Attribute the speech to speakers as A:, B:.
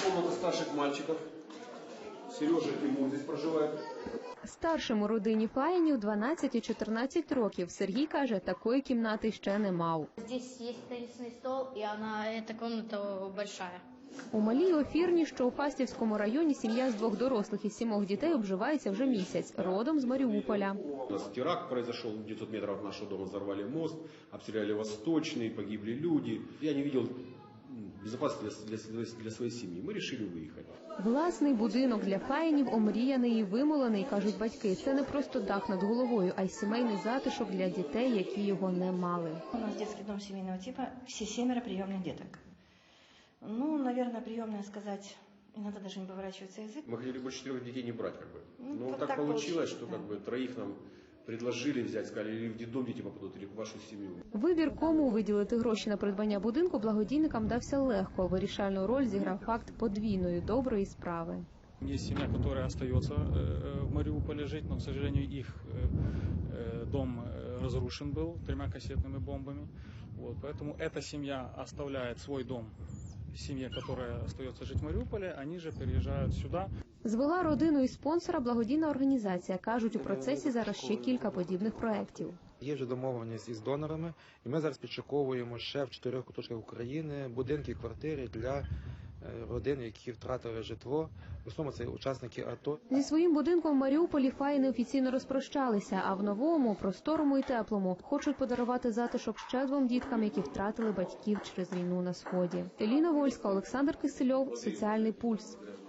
A: комната старших мальчиков. Сережа и Тимур здесь проживает.
B: Старшим у родині Фаєнів 12 і 14 років. Сергій каже, такої кімнати ще не мав.
C: Здесь есть теннисный стол, и эта комната большая.
B: У малій Офірні, що у Фастівському районі, сім'я з 2 дорослих і 7 дітей обживається вже місяць, родом з Маріуполя.
A: У нас теракт произошел, 900 метров от нашего дома взорвали мост, обстреляли Восточный, погибли люди. Я не видел безопасности для своей семьи. Мы решили выехать.
B: Власний будинок для Фаєнів омріяний і вимолений, кажуть батьки. Це не просто дах над головою, а й сімейний затишок для дітей, які його не мали.
D: У нас детский дом семейного типа, все 7 приемных деток. Ну, наверное, приемная сказать, иногда даже не поворачивается язык.
A: Мы хотели больше 4 детей не брать, как бы.
D: Ну,
A: Но так получилось, что как бы 3 нам предложили взять, сказали, или в детдом дети попадут, или в вашу семью.
B: Вибір, кому виділити гроші на придбання будинку, благодійникам дався легко. Вирішальну роль зіграв факт подвійної доброї справи.
E: Есть семья, которая остается в Мариуполе жить, но, к сожалению, их дом разрушен был 3 кассетными бомбами. Вот, поэтому эта семья оставляет свой дом семье, которая остается жить в Мариуполе, они же переезжают сюда.
B: Звела родину і спонсора благодійна організація. Кажуть, у процесі зараз ще кілька подібних проєктів.
F: Є вже домовленість із донорами, і ми зараз підшуковуємо ще в 4 куточках України будинки і квартири для родин, які втратили житло. В основному це учасники АТО.
B: Зі своїм будинком в Маріуполі Фаєни офіційно розпрощалися, а в новому, просторому і теплому хочуть подарувати затишок ще 2 діткам, які втратили батьків через війну на Сході. Еліна Вольська, Олександр Кисельов, Соціальний пульс.